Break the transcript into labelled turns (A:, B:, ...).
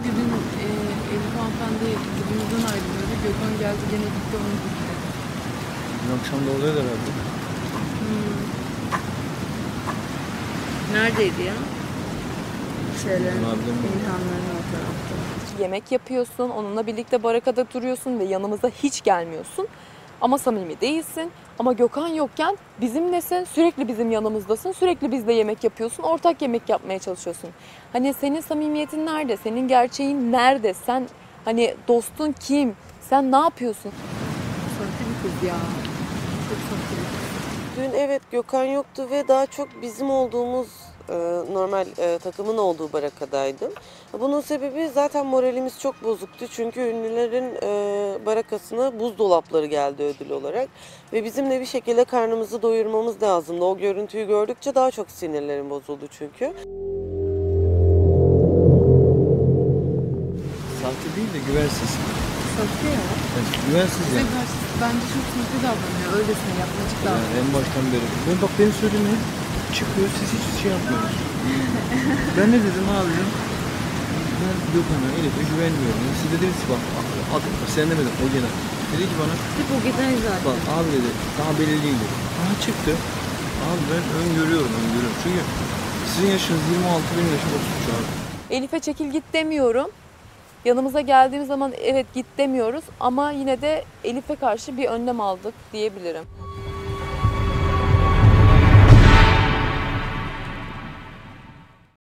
A: Çünkü dün Elif hanımefendi dibimizden ayrılıyordu. Gökhan geldi gene gitti onu gitti.
B: Dün akşam da oluyor herhalde.
A: Neredeydi ya?
B: İlhanların
A: İlhanların o tarafta.
C: Yemek yapıyorsun, onunla birlikte barakada duruyorsun ve yanımıza hiç gelmiyorsun. Ama samimi değilsin. Ama Gökhan yokken bizimlesin, sürekli bizim yanımızdasın, sürekli bizle yemek yapıyorsun, ortak yemek yapmaya çalışıyorsun. Hani senin samimiyetin nerede, senin gerçeğin nerede, sen hani dostun kim, sen ne yapıyorsun?
A: Sahte bir kız ya. Çok sahte bir kız.
D: Dün evet Gökhan yoktu ve daha çok bizim olduğumuz normal takımın olduğu barakadaydım. Bunun sebebi zaten moralimiz çok bozuktu. Çünkü ünlülerin barakasına buzdolapları geldi ödül olarak. Ve bizim de bir şekilde karnımızı doyurmamız lazımdı. O görüntüyü gördükçe daha çok sinirlerim bozuldu çünkü.
B: sahte değil de güvensiz.
A: Sahte ya.
B: Yani güvensiz
A: Bize
B: yani.
A: karşı bence çok sahte davranıyor. Öylesine yapmacık
B: Yani
A: davranıyor.
B: en baştan beri. Bak benim söylediğim hep çıkıyor, siz hiç şey yapmıyorsunuz. Ben ne dedim abi dedim. Ben Gökhan'a, Elif'e güvenmiyorum. Yani siz de dediniz ki bak, sen demedin o gene. Dedi ki bana,
A: Hep o giden zaten.
B: bak abi dedi, daha belli değil dedi. Aha çıktı. Abi ben öngörüyorum. Çünkü sizin yaşınız 26, benim yaşım 33 abi.
C: Elif'e çekil git demiyorum. Yanımıza geldiğimiz zaman evet git demiyoruz ama yine de Elif'e karşı bir önlem aldık diyebilirim.